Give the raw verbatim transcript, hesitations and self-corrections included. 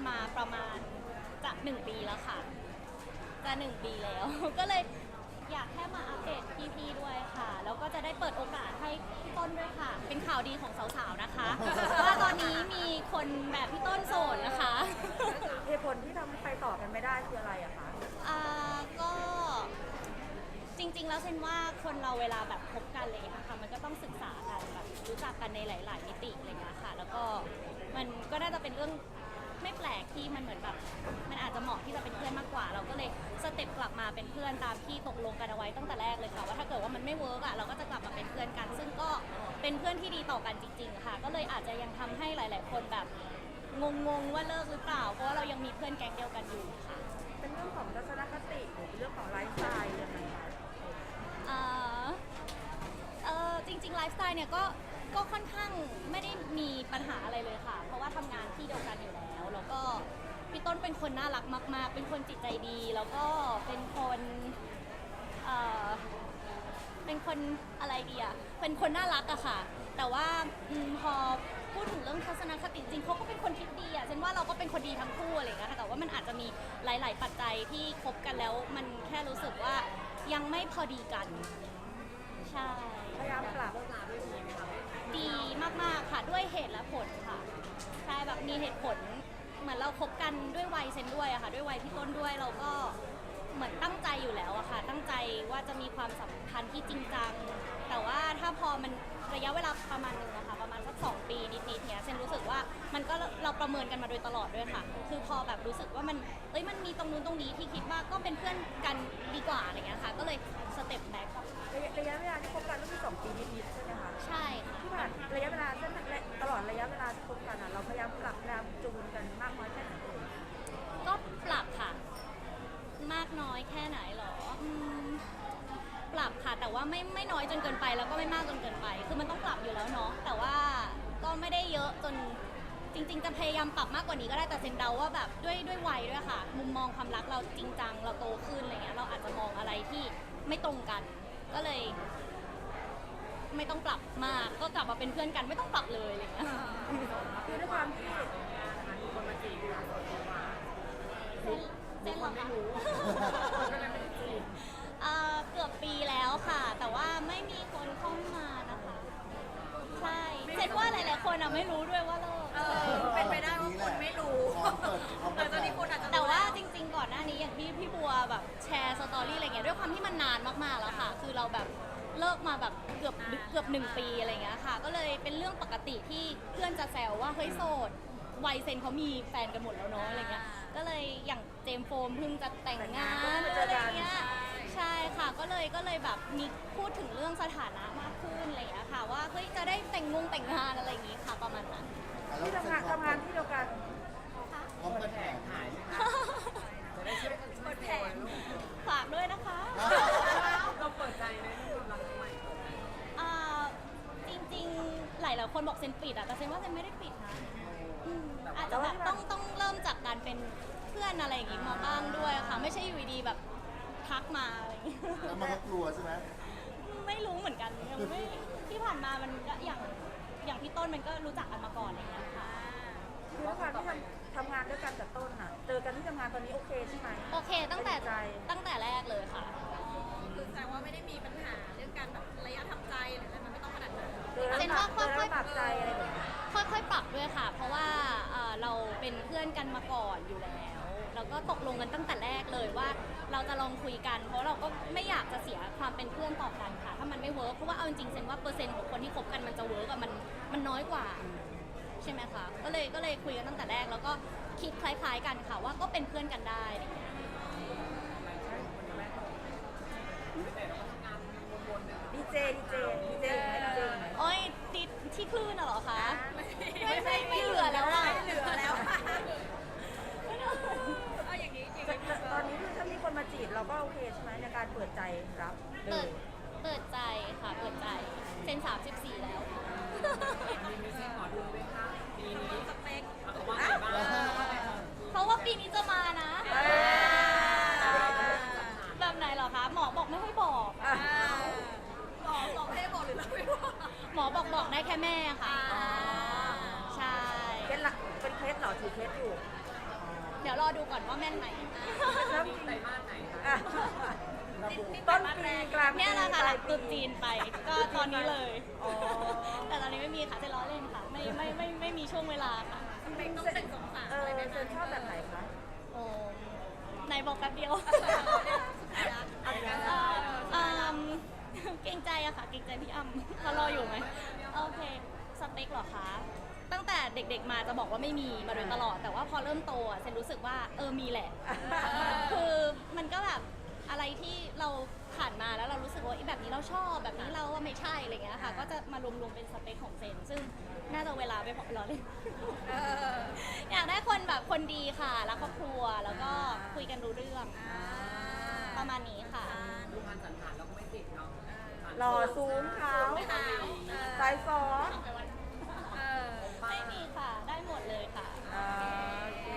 มาประมาณจะหนึ่งปีแล้วค่ะจะหนึ่งปีแล้ว ก็เลยอยากแค่มาอัปเดตพี่ๆด้วยค่ะ แล้วก็จะได้เปิดโอกาสให้พี่ต้นด้วยค่ะ เป็นข่าวดีของสาวๆนะคะ ว่าตอนนี้มีคนแบบพี่ต้นโสดนะคะเหตุผลที่ทำให้ไปต่อกันไม่ได้คืออะไรอะคะอ่าก็จริงๆแล้วเซนว่าคนเราเวลาแบบคบกันเลยนะคะมันก็ต้องศึกษากันแบบรู้จักกันในหลาย ๆ มิติอะไรเงี้ยค่ะ แล้วก็มันก็น่าจะเป็นเรื่องไม่แปลกที่มันเหมือนแบบมันอาจจะเหมาะที่จะเป็นเพื่อนมากกว่า เราก็เลยสเต็ปกลับมาเป็นเพื่อนตามที่ตกลงกันเอาไว้ตั้งแต่แรกเลยค่ะว่าถ้าเกิดว่ามันไม่เวิร์กอ่ะเราก็จะกลับมาเป็นเพื่อนกัน ซึ่งก็เป็นเพื่อนที่ดีต่อกันจริงๆค่ะก็เลยอาจจะยังทำให้หลาย ๆ คนแบบงงๆว่าเลิกหรือเปล่าเพราะว่าเรายังมีเพื่อนแก๊งเดียวกันอยู่ค่ะเป็นเรื่องของทัศนคติหรือเป็นเรื่องของไลฟ์สไตล์ยังไงคะเอ่อเออจริงๆไลฟ์สไตล์เนี่ยก็ก็ค่อนข้างไม่ได้มีปัญหาอะไรเลยค่ะ เพราะว่าทำงานที่เดียวกันอยู่แล้ว แล้วก็พี่ต้นเป็นคนน่ารักมากๆ เป็นคนจิตใจดี แล้วก็เป็นคนเอ่อเป็นคนอะไรดีอะเป็นคนน่ารักอะค่ะ แต่ว่าอมพอพูดถึงเรื่องทัศนคติจริงเขาก็เป็นคนคิดดีอะฉันว่าเราก็เป็นคนดีทั้งคู่อะไรอย่างเงี้ยค่ะแต่ว่ามันอาจจะมีหลาย ๆ ปัจจัยที่คบกันแล้วมันแค่รู้สึกว่ายังไม่พอดีกัน ใช่พยายามปรับดีมากๆค่ะด้วยเหตุและผลค่ะใช่แบบมีเหตุผลเหมือนเราคบกันด้วยวัยเซนด้วยอะค่ะด้วยวัยพี่ต้นด้วยเราก็เหมือนตั้งใจอยู่แล้วอะค่ะตั้งใจว่าจะมีความสัมพันธ์ที่จริงจังแต่ว่าถ้าพอมันระยะเวลาประมาณนึงอะค่ะประมาณสักสองปีนิดๆเนี้ยเซนรู้สึกว่ามันก็เราประเมินกันมาโดยตลอดด้วยค่ะคือพอแบบรู้สึกว่ามันเอ้ยมันมีตรงนู้นตรงนี้ที่คิดว่าก็เป็นเพื่อนกันดีกว่าอะไรเงี้ยค่ะก็เลยสเต็ปแบ็กระยะระยะเวลาที่คบกันก็คือสองปีนิดๆใช่ไหมคะใช่ค่ะที่ผ่านระยะเวลาเส้นตลอดระยะเวลาที่คบกันอะเราพยายามปรับพยายามจูนกันมากน้อยแค่ไหนเอ่ยก็ปรับค่ะ มากน้อยแค่ไหนหรออืมปรับค่ะ แต่ว่าไม่ไม่น้อยจนเกินไปแล้วก็ไม่มากจนเกินไป คือมันต้องปรับอยู่แล้วเนาะแต่ว่าก็ไม่ได้เยอะจนจริง ๆ จะพยายามปรับมากกว่านี้ก็ได้แต่เซนเดาว่าแบบด้วยด้วยวัยด้วยค่ะ มุมมองความรักเราจริงจังเราโตขึ้นอะไรเงี้ยเราอาจจะมองอะไรที่ไม่ตรงกัน ก็เลย ไม่ต้องปรับมากก็กลับมาเป็นเพื่อนกันไม่ต้องปรับเลยอะไรเงี้ยคือด้วยความที่เส้นเส้นเหรอคะเอ่อเกือบปีแล้วค่ะ แต่ว่าไม่มีคนเข้ามานะคะ ใช่เซนว่าหลายๆคนอ่ะไม่รู้ด้วยว่าเลิกเออเป็นไปได้ว่าคนไม่รู้แต่ตอนนี้คนอาจจะรู้แต่ว่าจริงๆก่อนหน้านี้อย่างที่พี่บัวแบบแชร์สตอรี่อะไรเงี้ยด้วยความที่มันนานมากๆแล้วค่ะ คือเราแบบเลิกมาแบบเกือบเกือบหนึ่งปีอะไรเงี้ยค่ะ ก็เลยเป็นเรื่องปกติที่เพื่อนจะแซวว่าเฮ้ยโสดวัยเซนเขามีแฟนกันหมดแล้วเนาะอะไรเงี้ย ก็เลยอย่างเจมส์โฟมเพิ่งจะแต่งงานอะไรเงี้ย ใช่ค่ะก็เลยก็เลยแบบมีพูดถึงเรื่องสถานะมากขึ้นอะไรอย่างเงี้ยค่ะว่าเฮ้ยจะได้แต่งงงแต่งงานอะไรอย่างงี้ค่ะประมาณนั้นที่ทำงานทำงานที่เดียวกันพร้อมกันแผงขายจะได้ช่วยกันเปิดแผงฝากด้วยนะคะเราเปิดใจในเรื่องความรักใหม่อ่าจริงๆหลายๆคนบอกเซนปิดอะแต่เซนว่าเซนไม่ได้ปิดนะอืมอาจจะแบบต้องต้องเริ่มจากการเป็นเพื่อนอะไรอย่างงี้มาบ้างด้วยค่ะ ไม่ใช่อยู่ดีๆแบบทักมาอะไรอย่างงี้แล้วมันก็กลัวใช่ไหมไม่รู้เหมือนกันยังไม่ที่ผ่านมามันก็อย่างอย่างพี่ต้นมันก็รู้จักกันมาก่อนอะไรอย่างเงี้ยค่ะคือด้วยความที่ทำทำงานด้วยกันแต่ต้นอะเจอกันที่ทำงานตอนนี้โอเคใช่ไหมโอเคตั้งแต่ใจตั้งแต่แรกเลยค่ะคือแสดงว่าไม่ได้มีปัญหาเรื่องการแบบระยะทำใจหรืออะไรมันไม่ต้องขนาดนั้นเจอแล้วเป็นปรับว่าเจอค่แล้อวยๆปรับใจอะไรแบบนี้ค่อยๆ ปรับด้วยค่ะ เพราะว่าเอ่อเราเป็นเพื่อนกันมาก่อนอยู่แล้ว แล้วก็ตกลงกันตั้งแต่แรกเลยว่าเราจะลองคุยกัน เพราะเราก็ไม่อยากจะเสียความเป็นเพื่อนต่อกันค่ะ ถ้ามันไม่เวิร์กเพราะว่าเอาจริงๆเซนว่าเปอร์เซ็นต์ของคนที่คบกันมันจะเวิร์กอะมันมันน้อยกว่า ใช่ไหมคะ ก็เลยก็เลยคุยกันตั้งแต่แรกแล้วก็คิดคล้ายๆกันค่ะว่าก็เป็นเพื่อนกันได้อะไรอย่างเงี้ยดีเจดีเจดีเจดีเจไหมโอ้ยติดที่คลื่นน่ะเหรอคะ ไม่ไม่ไม่เหลือแล้วอะไม่เหลือแล้วเอาอย่างนี้อย่างแต่นี้แต่ตอนนี้คือถ้ามีคนมาจีบเราก็โอเคใช่ไหมในการเปิดใจรับเลเปิยดเปิดใจค่ะเปิดใจเซนสามสิบสี่แล้วมีไม่ใช่หมอดูไหมคะปีนี้สเปคเอาว่าเพราะว่าปีนี้จะมานะอ่าแบบไหนเหรอคะ หมอบอกไม่ให้บอกอ่ะบอกบอกให้บอกหรือเราไม่บอกหมอบอกบอกได้แค่แม่ค่ะอ่าใช่เคล็ดละเป็นเคล็ดเหรอถือเคล็ดอยู่รอดูก่อนว่าแม่นไหมแล้วจริงไตรมาสไหนคะอ่ะต้นปีกลางปีเนี่ยแหละค่ะปหลาลัยงปีตรุษจีนไปก็ตอนนี้เลยอ๋อแต่ตอนนี้ไม่มีค่ะจะล้อเล่นค่ะ ไม่ไม่ไม่ไม่มีช่วงเวลาค่ะสเปคต้องเป็นสงสารเออะไรอไหมเซนชอบแบบไหนคะโอ้ไหนบอกแป๊บเดียวเอาอีกแล้วเอ่ออืมเกรงใจอะค่ะ เกรงใจพี่อ้ำเขารออยู่ไหมโอเค สเปคเหรอคะ ตั้งแต่เด็กๆมาจะบอกว่าไม่มีมาโดยตลอด แต่ว่าพอเริ่มโตอะเซนรู้สึกว่าเออมีแหละ คือมันก็แบบอะไรที่เราผ่านมาแล้วเรารู้สึกว่าไอ้แบบนี้เราชอบแบบนี้เราว่าไม่ใช่อะไรเงี้ยค่ะ ก็จะมารวมๆเป็นสเปคของเซน ซึ่งน่าจะเวลาไม่พอรอเลยเอออยากได้คนแบบคนดีค่ะรักครอบครัวแล้วก็คุยกันรู้เรื่องอ่าประมาณนี้ค่ะดูพันสันฐานเราก็ไม่ติดเนาะหล่อสูงขาวขาวเออสายฟอเออไม่มีค่ะ ได้หมดเลยค่ะอ่าโอเค